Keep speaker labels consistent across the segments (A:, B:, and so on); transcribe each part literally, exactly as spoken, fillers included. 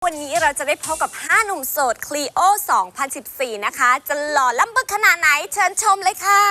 A: วันนี้เราจะได้พบกับห้าหนุ่มโสดคลีโอสองพันสิบสี่นะคะจะหล่อล้ำบึกขนาดไหนเชิญชมเลยค่ะ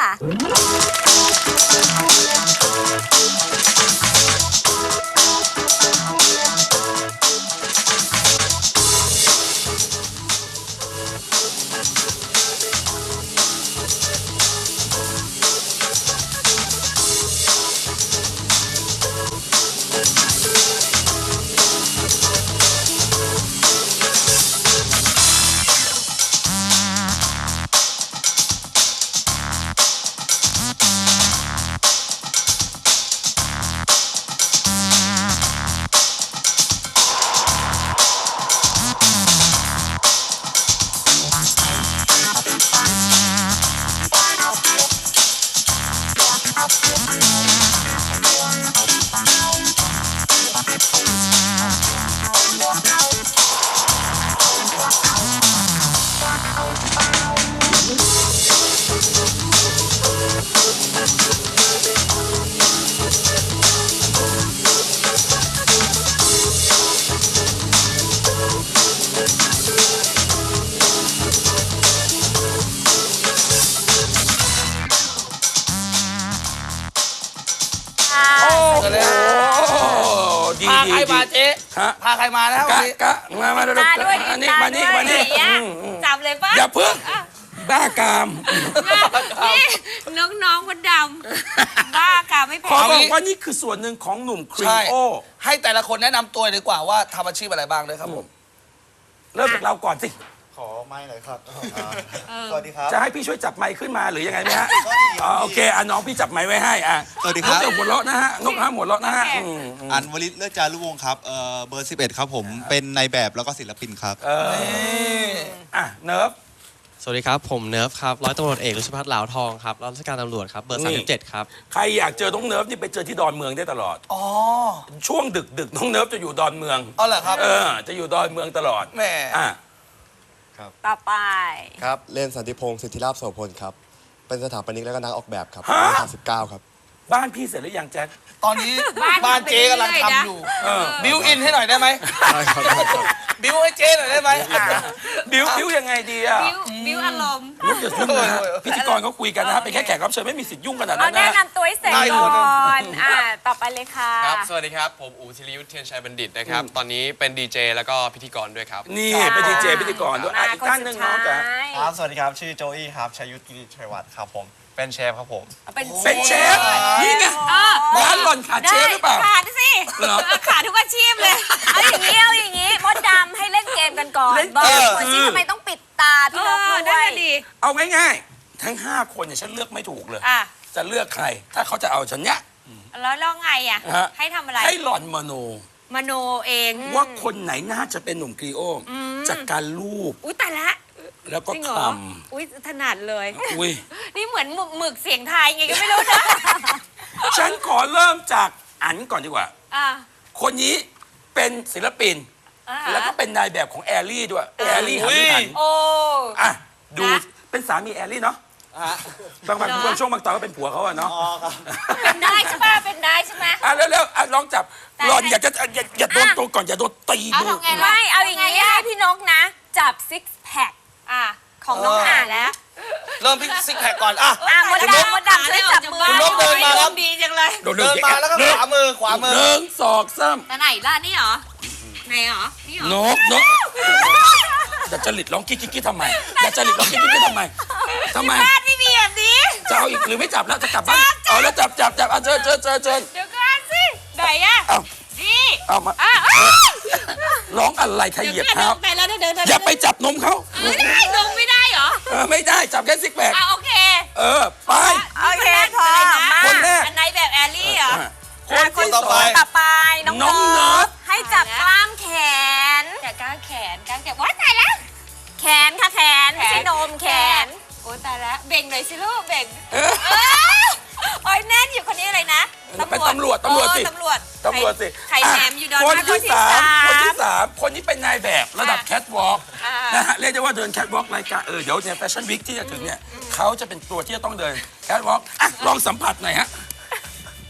B: พาใครมาเจ๊พาใครมาแล้วกะ
C: กะมามาดูอันนี้มานี่มานี่
A: จับเลยป่ะ
C: อย่าเพิ่งบ้ากาม
A: นี่น้องๆคนดำบ้ากามไม่แพ้
C: ขอบอกว่านี่คือส่วนหนึ่งของหนุ่มครีโอ
B: ให้แต่ละคนแนะนำตัวดีกว่าว่าทำอาชีพอะไรบ้างเลยครับผม
C: เริ่มจากเราก่อนสิ
D: ขอไม้หน่อยครับสวัสดีครับ
C: จะให้พี่ช่วยจับไมค์ขึ้นมาหรือยังไงไหมฮะโอเคอ่ะน้องพี่จับไมค์ไว้ให้อ่ะ
D: สวัสดีครับ
C: นกหัวเราะนะฮะนกห้ามหัวเราะนะฮะ
D: อันวลิศเลิศจารุวงศ์ครับเอ่อเบอร์สิบเอ็ดครับผมเป็นนายแบบแล้วก็ศิลปินครับ
C: เอออ่ะเนิร์ฟ
E: สวัสดีครับผมเนิร์ฟครับร้อยตำรวจเอกรุชพัฒน์เหลาทองครับรับราชการตำรวจครับเบอร์สามสิบเจ็ดครับ
C: ใครอยากเจอน้องเนิร์ฟนี่ไปเจอที่ดอนเมืองได้ตลอดอ๋อช่วงดึกดึกน้องเนิร์ฟจะอยู่ดอนเมือง
B: อ๋อเหรอครับ
C: เออจะอยู่ดอนเมืองตลอด
B: แม่
C: อ่ะ
A: ต่อไป
D: ครับเล่นสันติพงศ์สิทธิราชโสพลครับเป็นสถาปนิกและก็นักออกแบบครับสามสิบเก้าครับ
C: บ้านพี่เสร็จหรือยังแจ็ค
B: ตอนนี้บ้านเจ๊กำลังทำอยู่บิวอินให้หน่อยได้ไหม
D: ได้ครับ
B: บิวให้เจ๊หน่อยได้ไหม
C: บิวบิวยังไงดีอ่ะ
A: บิวอารมณ์
C: พิธีกรเขาคุยกันนะฮะเป็นแค่แขกรับเชิญไม่มีสิทธิ์ยุ่งขนาดนั้
A: นนะแนะนำตัวให้เสร็จก่อนอ่าต่อไปเลยค่ะ
E: ครับสวัสดีครับผมอู๋ธีรยุทธเทียนชัยบัณฑิตนะครับตอนนี้เป็นดีเจแล้วก็พิธีกรด้วยครับ
C: นี่เป็นดีเจพิธีกรด้วยอีกท่านหนึ่งน้องจ๋า
D: ครับสวัสดีครับชื่อโจอี้ครับชัยยุทธกิติชัยวัฒน์ครับผมเป็นเชฟครับผม
C: เป็นเชฟนี่ไงร้านหล่อนขาดเชฟหรือเปล่า
A: ขาดสิขาดทุกอาชีพเลยเอาอย่างนี้เอาอย่างนี้มดดำให้เล่นเกมกันก่อนบอกคนที่ทำไมต้องปิดตาพี่นกด้วย
C: เอาง่ายๆทั้งห้าคนเนี่ยฉันเลือกไม่ถูกเลยจะเลือกใครถ้าเขาจะเอาฉันเนี้ย
A: แล้วลองไงอ่ะให้ทำอะไร
C: ให้หล่อนมโน
A: มโนเอง
C: ว่าคนไหนน่าจะเป็นหนุ่มครีโอจากการรูป
A: อุ้ยแต่ละ
C: แล้วก็ทำ
A: อุ้ยถนัดเลย
C: อุ้ย
A: นี่เหมือนหมึกเสียงไทยไงก็ไม่รู้นะ
C: ฉันขอเริ่มจากอันก่อนดีกว่าคนนี้เป็นศิลปินแล้วก็เป็นนายแบบของแอลลี่ด้วยแอลลี่หันหัน
A: โอ้
C: อ่ะดูเป็นสามีแอลลี่เนาะบางบางช่วงบางตอนก็เป็นผัวเขาอะเนาะ
A: เป็นได้ใช่ป่ะเป็นได้ใช่ไหม
C: อ่ะเร็วๆอ่ะลองจับหลอนอยากจะอย่าอย่าโดนตัวก่อนอย่าโดนตีมือ
A: ไม่เอาอย่างงี้ให้พี่นกนะจับซิกแพคอ่ะของน้องอ่านแล้ว
B: เริ่มพิซิกแพคก่อนอ่ะ
A: อ่ะมดดำมดดำช่วยจับมือ
B: คุณนกเดินมาครับ
A: ดีจังเลย
C: เดิ
B: นมาแล้วก็ขวามือขวามือ
C: หนึ่งสองสาม
A: แต่ไหนล่ะนี่เหรอไหนเหรอนี่เหรอน
C: กนกแต่จริตร้องกิ๊กกิ๊กทำไมแต่จริตร้องกิ๊กกิ๊กทำไมทำไม
A: บ้านไม่มีแบบนี้
C: จะเอาอีกหรือไม่จับแล้วจะกลับบ้านเอาแล้วจับจับจับเอาเชิญเชิญเชิญเชิญ
A: เดี๋ยวก่อนสิไหนอ่ะนี่
C: เอามาร้องอะไรใครเหยียบเท้าอย่าไปจับนมเขา
A: ไม่ได้นมไม่ได้เหรอ
C: เออไม่ได้จับแค่ซิกแพค
A: โอเค
C: เออไป
A: โอเคพอ
C: คนแรก
A: อันไหนแบบแอลลี่เหรอ
C: คนต่อไป
A: ต่อไปน้องเนิร์ฟให้จับกล้ามแขนจับกล้ามแขนกล้ามแขนว้ายตายแล้วแขนค่ะแขนไม่ใช่นมแขนโอ้ตายแล้วเบ่งหน่อยสิลูกเบ่งโอ้ยแน่นอยู่คนนี้อะไรนะ
C: เป็นตำรวจตำรวจสิ
A: ตำรวจ
C: ตำรวจสิ
A: ไข่แหนมอยู่ดอน
C: คนที่สามคนที่สามคนนี้เป็นนายแบบระดับแคทวอล์กนะฮะเรียกได้ว่าเดินแคทวอล์กรายการเออเดี๋ยวเนี่ยแฟชั่นวิกที่จะถึงเนี่ยเขาจะเป็นตัวที่จะต้องเดินแคทวอล์กอ่ะลองสัมผัสหน่อยฮะ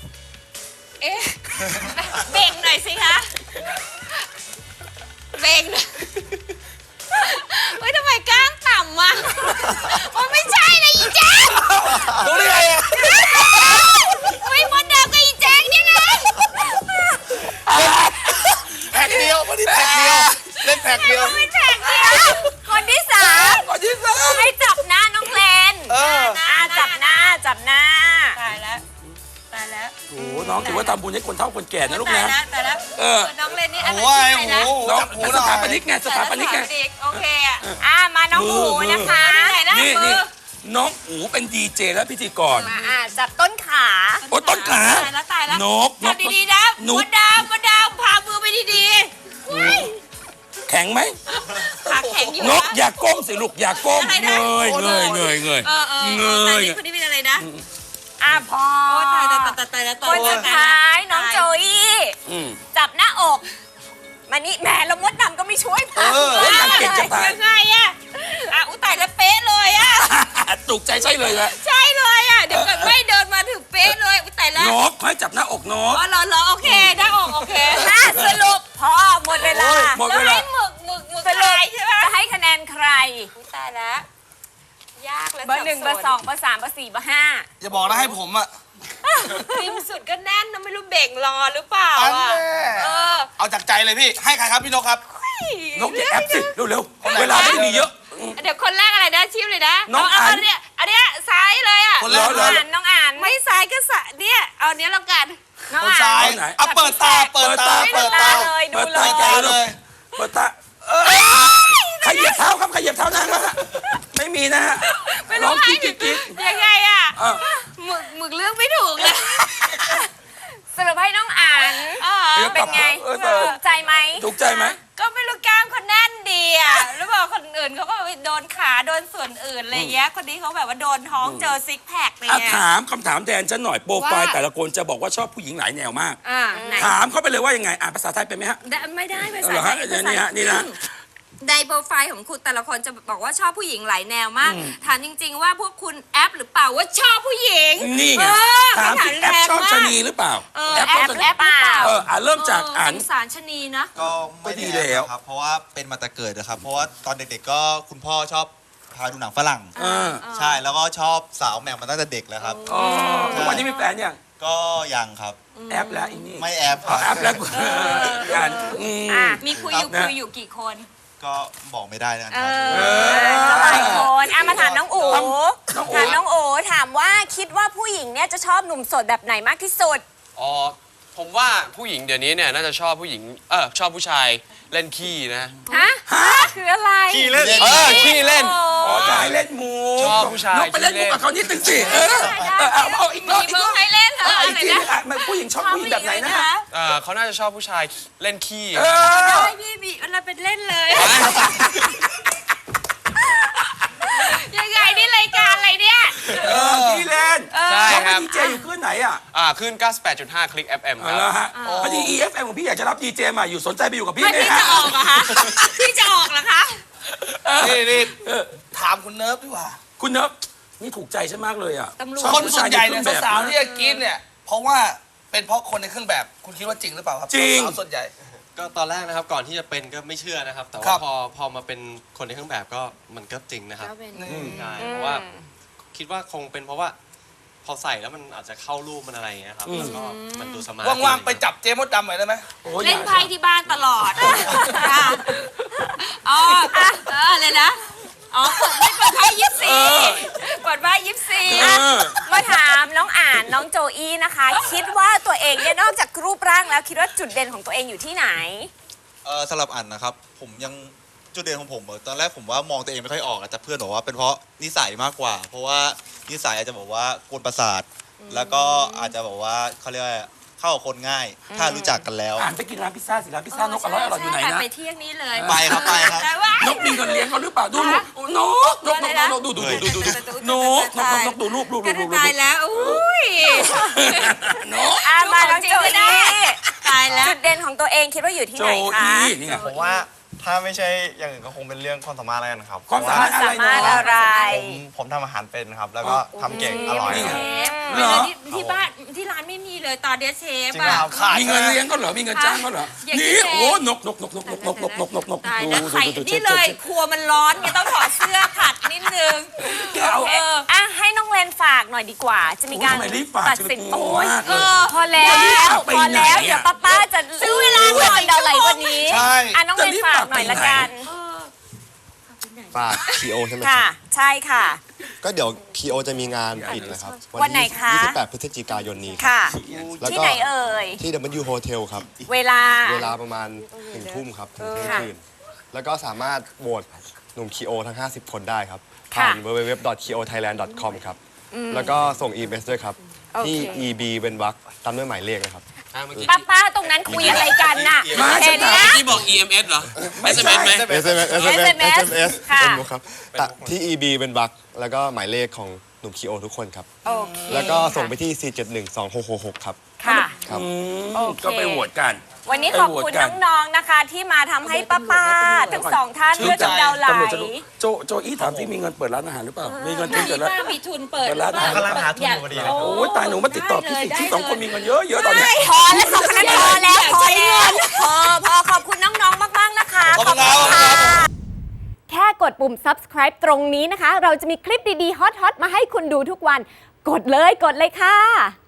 A: เอ๊ะเบ่งหน่อยสิคะเบ่ง
C: ำบุญให้คนเฒ่าคนแก่นะลูก
A: ตาย
C: นะ
A: แล้วตายแล้ว
C: เออ
A: น้องเล่นนี่อะไร
B: โอ้ย
A: ชื่ออะไร
B: โอ้
A: นะ
B: โห
C: น้อง
B: จับหูห
C: ส
B: น่อ
C: ถาย ปนิกไงสถาปนิกไง
A: โอเคอ่ะอ่ะมาน้องหูนะคะ
C: นี่
A: ไหน
C: นี่
A: มือ
C: น้องอูเป็นดีเจและพิธีกร
A: มาอ่ะจับต้นขา
C: โอ้ต้นขา
A: ตายแล้วตายแล้ว
C: นกน
A: จับ
C: ก
A: ดีๆนะ
C: นก
A: มดดาวมดดาวพามือไปดีๆเฮ้ย
C: แข็งไหม
A: ขาแข็งอยู่
C: นกอย่าก้มสิลูกอย่าก้ม
A: อะไร
C: เง
A: นะ
C: ยเงยเงยเงย
A: เออเออ
C: เง
A: เออแต่
C: ย
A: นี่คนนี้เป็นอะไรนะอ่ะพอ
C: โอ้
A: ตายตายตายตายแล้ว
F: คนสุดท้ายน้องโจอี้
C: อืม
F: จับหน้าอก มานี่แหมแล้วมดดำก็ไม่ช่วยพา
C: เออแล้วยังเก่งจะตาย
A: ยังไงอ่ะอ่ะอุ้ยตายแล้วเป๊ะเลยอ่ะ
C: ถูกใจใช่เลยละ
A: ใช่เลยอ่ะเดี๋ยวก่อนไม่เดินมาถึงเป๊ะเลยอุ้ยตายแล้ว
C: นกให้จับหน้าอกนก
A: อ๋อเหรอเหรอโอเคได้ออกโอเค
F: อ่ะสรุปพอหมดเวลา
C: โอ้ยหมด
A: แล้ว
C: เวลา
A: ให้หมึกหมึกหมึก
F: สรุป
A: ลายใช่ไหม
F: จะให้คะแนนใคร
A: อุ๊ยตายแล้วยากเลย
F: เบอร์หนึ่งเบอร์สองเบอร์สามเบอร์สี่เบอร์ห้า
B: อย่าบอกนะให้ผมอะ
A: ริมสุดก็แน่นนะไม่รู้เบ่งรอหรือเปล่า
B: อัน
A: อ่ะ
B: แน่
A: เออ
B: เอาจากใจเลยพี่ ให้ใครครับพี่นกครับ
C: นกอย่าแอปสิเร็วๆเวลาไม่มีเยอะ
A: เดี๋ยวคนแรกอะไรนะชิมเลยนะ
C: น้อง
A: เา
C: อั
A: เอา
C: น
A: นเนี้ยอันเนี้ยซ้ายเลยอ่ะ
B: คนแรก
C: เหรอ
F: อ่านน้องอ่าน
A: ไม่ซ้ายก็สะเนี่ยเอาเนี้ยแล้วกัน
F: น้อง
B: คน
F: อ่า
B: ซ้าน ย
C: ไหน
B: เอาเปิดตา เปิดตา
C: เปิ
B: เปิ
C: ด
B: ด
C: ตา
B: ตา
F: เลยดู
C: เปิด
F: เล
C: ตาย
B: ใจเลย
C: เปิดตาเออขยับเท้าครับขยับเท้านางนะฮะไม่มีนะฮะ
A: ไม่
C: ร้
A: รู้
C: อง
A: ให้
C: กิ๊กกิ๊กกิ๊ก
A: ยังไงอ่ะ
C: อ่ะ
A: หมึกหมึกเลือกไม่ถูกเลย
F: สรุปให้น้องอ่าน
A: อ๋อ
C: เดี๋ยวก
F: เป็
C: ลั
F: น
C: บ
F: ไง
C: เออเออ
F: ถูกใจไหม
C: ถูกใจไหม
A: ก็ไม่รู้กล้ามเขาแน่นดีอ่ะหรือเปล่าคนอื่นเขาก็ไปโดนขาโดนส่วนอื่นอะไรเงี้ยคนนี้เขาแบบว่าโดนท้องเจอซิกแพคอะไร
C: อ่ะ
A: เงี้ย
C: ถามคำถามแทนฉันหน่อยโปรไฟล์
A: ว่า
C: แต่ละคนจะบอกว่าชอบผู้หญิงหลายแนวมาก
A: อ่าไหน
C: ถามเขาไปเลยว่ายังไงอ่านภาษาไทยเป็นไหมฮะ
A: ได้ไม่ได้ภา
C: เอา
A: ษา
C: เหรอ
A: ไท
C: ฮะ
A: ย
C: นี่ฮะนี่นะ
A: ในโปรไฟล์ของคุณแต่ละคนจะบอกว่าชอบผู้หญิงหลายแนวมาก ถามจริง ๆ ว่าพวกคุณแอปหรือเปล่าว่าชอบผู้หญิง
C: นี่ไง
A: เออ
C: ถาม
A: คำถาม
C: ที่แอป
A: แรง
C: ชอบ
A: มาก
C: ชะนีหรือเปล่า
A: เออ
C: แอป
A: แอ
C: ชอบ
A: ป
C: ชะ
A: แอ
C: นี
A: ปหรือเปล่า
C: เอออ่ะเริ่มจากอ่าน
A: สงสารชะนีนะ
G: ก็ไม่ได้
C: ก็ดีแล้ว
G: ครับ เพราะว่าเป็นมาแต่เกิดนะครับ เพราะว่าตอนเด็กๆก็คุณพ่อชอบพาดูหนังฝรั่ง
C: เออ
G: ใช่แล้วก็ชอบสาวแหม่มมาตั้งแต่เด็กแล้วครับ
C: อ๋อทุกวันนี้มีแฟนยัง
G: ก็ยังครับ
C: แอปแล้วอีนี่
G: ไม่แอบค
C: อ๋อ
G: รับ
C: แอปแล้วอ่านอืม
F: อ่ะ
A: มีคุยอยู่
C: นะ
A: คุยอยู่กี่คน
G: ก็บอกไม่ได้นะค
A: เอ
G: รับ
A: อ
F: หลายคนอ่ะมาถามน้องอู๋
C: น้องอู๋
F: ถามน้องอู๋ถามว่าคิดว่าผู้หญิงเนี่ยจะชอบหนุ่มโสดแบบไหนมากที่สุด
E: อ๋อ ผมว่าผู้หญิงเดี๋ยวนี้เนี่ยน่าจะชอบผู้หญิง เออชอบผู้ชายเล่นขี้นะ
F: ฮะคืออะไร
G: ขี้เล่น
E: เออขี้เล่น
C: อ๋อจะให้เล่นมู
E: ชอบผู้ชาย
C: นกไปเล่นมู
E: ที่เล่น
C: กับเขานิดนึงสิเออเออเอาเอาอีกรอบ
A: มี
C: อีก
A: เมื
C: ร
A: อ
C: อง บ
A: ให้เล่นเหรอ
C: เอา
A: อะ
C: อีก
A: ไร
C: ที
A: นะ
C: นึงอ่ะมันผู้หญิงชอบผู้หญิงแบบไหนนะฮะ
E: เออเขาน่าจะชอบผู้ชายเล่นขี้
C: เออ
A: ได้พี่มีอะไรเป็นเล่นเลย ยังไงนี่รายการอะไรเนี่ย
C: เออที่เล่น
E: ใช่ครับ
C: ดีเจอยู่ขึ้นไหนอ่ะ
E: อ่าขึ้น เก้าสิบแปดจุดห้า คลิก เอฟ เอ็ม
C: เอา
E: ครับ
C: ละฮะพอดี อี เอฟ เอ็ม ของพี่อยากจะรับดีเจมาอยู่สนใจไปอยู่กับพี่
A: ไม่
C: ไหม
A: พี่
C: ฮะ
A: จะออกเหรอคะพี่จะออกเหรอคะ
B: นี่นี่
C: เออ
B: ถามคุณเนิร์ฟดีกว่า
C: คุณเนิบนี่ถูกใจฉันมากเลยอ่ะ
A: ตำรวจ
C: ชอบ
B: คน
C: ผู้
B: ส่
C: ชา
B: วย นใหญ่เนี่ย
C: ใเครื่องแบบ
B: สาวๆที่จะกินเนี่ย เพราะว่าเป็นเพราะคนในเครื่องแบบ คุณคิดว่าจริงหรือเปล่าครับ
C: จริง
B: สาวๆส่วนใหญ่
E: ก็ตอนแรกนะครับก่อนที่จะเป็นก็ไม่เชื่อนะครับ แต่
B: ครั
E: ว่า
B: บ
E: พอพอมาเป็นคนในเครื่องแบบก็มันก็จริงนะครับ
A: ก็เป็น
B: อืม
E: ใช่เพราะว่าคิดว่าคงเป็นเพราะว่า พอใส่แล้วมันอาจจะเข้ารูปมันอะไรอย่างเงี้ยครับแล้วก็มันดูสมาร์ท
B: ว่างๆไปจับเจมดดำหน่อยได้ไหม
C: โอ้ย
A: เล่นไพ่ที่บ้านตลอดค่ะอ๋ออ่ะเออเลยนะ อ๋อเปิดไม่เปิดไพ่ยิปซีเปิดไพ่ยิปซี
C: เออ
F: มาถามน้องอ่านน้องโจอี้นะคะ คิดว่าตัวเองเนี่ยนอกจากรูปร่างแล้วคิดว่าจุดเด่นของตัวเองอยู่ที่ไหน
G: เออสำหรับอันนะครับ ผมยังจุดเด่นของผมเออตอนแรกผมว่ามองตัวเองไม่ค่อยออกอะแต่เพื่อนบอกว่าเป็นเพราะนิสัยมากกว่า เพราะว่านิสัยอาจจะบอกว่ากวนประสาท แล้วก็อาจจะบอกว่าเขาเรียกว่าเข้ากับคนง่าย ถ้ารู้จักกันแล้ว
C: อ่านไปกินร้านพิซซ่าสิร้านพิซซ่านกอร่อยอร่อยอยู่ไหน
A: ใช่
C: นะ
A: ไปเที่ยงนี้เลย
G: ไปครับไปครับ
A: แต่ว่าน
C: กมีเงินเลี้ยงเขาหรือเปล่าดูรูปนกนกนกนกนกดูดูดูดูดูดูนกนกนกนกดูรูปรูปรู
A: ก็
C: ปรูปรู
A: ตาย
C: ป
A: แล้วอุ้ย
C: นก
F: อ่ะมาน้องโจอี้
A: ตายแล้ว
F: จุดเด่นของตัวเองคิดว่าอยู่ที่
C: โจ
F: ไหนคะ
C: อี้นี่ไง
D: ผมว่าถ้าไม่ใช่อย่างอื่นก็คงเป็นเรื่องความสามารถอะไรกันครับ
C: ความสามารถอะไร
F: สามารถ
C: เนาะ
F: อะไร
D: ผมผมทำอาหารเป็นครับ แล้วก็ทำเก่งอร่อย
C: นี่
D: ค
C: ไง
D: รับ
A: เวลาที่ที่บ้านที่ร้านไม่มีเลยตอนเดียเชฟ
D: จริง
A: อ่ะ
D: ครับ
B: ขาย
C: มีเงินเลี้ยงก็เหรอมีเงินจ้างก็เหรอ
A: อย่างนี้
C: นี่
A: เอง
C: โอ้นกนกนกนกนกนกนกนกนกนก
A: ตาย
C: ดู
A: แล้ว
C: ดู
A: ไข่
C: ดูดู
A: นี่เลยครัวมันร้อนไงต้องถอดเสื้อผัดนิดนึง
C: เอา
A: เออ
F: อ่ะให้น้องเลนฝากหน่อยดีกว่า จะมีการ
C: โอ้ยทำไมรีบฝาก
F: ตัดสิน
C: จะไปกลั
F: โอ้
C: วย มากเลย
F: พอแล้ว
C: จะรีบฝากไป
F: พอแล้ว
C: ไหนอะ
F: เดี๋ยวป้าป้าจะซื้อเวลาหน่อยเดาไหลกวันนี้
B: ใช่
F: อ่ะน้องเลนฝากหน่อยละกัน
A: เออเอาไปไหน
D: ฝาก คี โอ ใช่ไหมค
F: ค่ะ
D: รับ
F: ใช่ค่ะ
D: ก็เดี๋ยว คี โอ จะมีงานปิดนะครับ
F: วันไหนคะ
D: ยี่สิบแปดพฤศจิกายนนี้ครับ
F: ค่ะ
D: แล้ว
F: ที่
D: ก็
F: ไหนเอ่ย
D: ที่ ดับเบิลยู Hotel ครับ
F: เวลา
D: เวลาประมาณหนึ่งทุ่มครับ ถึงเที่ยง
F: ค่ะ
D: คืน แล้วก็สามารถโหวตหนุ่ม คี โอ ทั้ง ห้าสิบ คนได้ครับ
F: ค่ะ
D: ผ่าน ดับเบิลยู ดับเบิลยู ดับเบิลยู ดอท คี โอ ไทยแลนด์ ดอท คอม ครับ แล้วก็ส่ง อี เมล ด้วยครับ
F: โอเค
D: ที่ อี บี เว้นวรรคตามด้วยหมายเลขนะครับ
F: ป้าป้าตรงนั้นคุยอะไรกันน่ะ
C: มา
F: เห็น
C: ฉันถาม
F: นะ
H: ที่บอก อี เอ็ม เอส เหรอ
C: ไม่ใช่
H: เอส เอ็ม เอส ไหม
D: เอส เอ็ม เอส เอส เอ็ม เอส
F: เอส เอ็ม เอส
D: เอส
F: ค่ะ
D: เป็นมุกครับแต่ที่ อี บี เป็นบักแล้วก็หมายเลขของหนุ่ม คี โอ ทุกคนครับ
F: โอเค
D: แล้วก็ส่งไปที่ สี่ เจ็ด หนึ่ง สอง หก หก หก ครับ
F: ค่ะ
D: ครับ
C: อืม
F: โอเค
C: ก็ไปโหวตกัน
F: วันนี้ขอบคุณน้องๆนะคะ ที่มาทำให้ป้าป้าๆทั้งสองท่านเลือดกำเดาไหล
C: ตำรวจจะรู้โจโจอี้ถามที่มีเงินเปิดร้านอาหารหรือเปล่า มีเงินทุนเปิดร้าน
A: มีทุนเปิด
C: เปิดร้านอาหาร
E: กำลังหาทุนอยู่พอดีเลย
C: โอ้ยตายหนูมาติดต่อพี่สิที่สองคนมีเงินเยอะเยอะตอนเนี้ย
F: พอแล้วสองคนนั้นพอแล้วพอแล้วพอพอขอบคุณน้องๆมากๆนะคะ
B: ขอบคุณครับ
F: ค่ะ
I: แค่กดปุ่ม subscribe ตรงนี้นะคะ เราจะมีคลิปดีๆ ฮอตๆ มาให้คุณดูทุกวัน กดเลย กดเลยค่ะ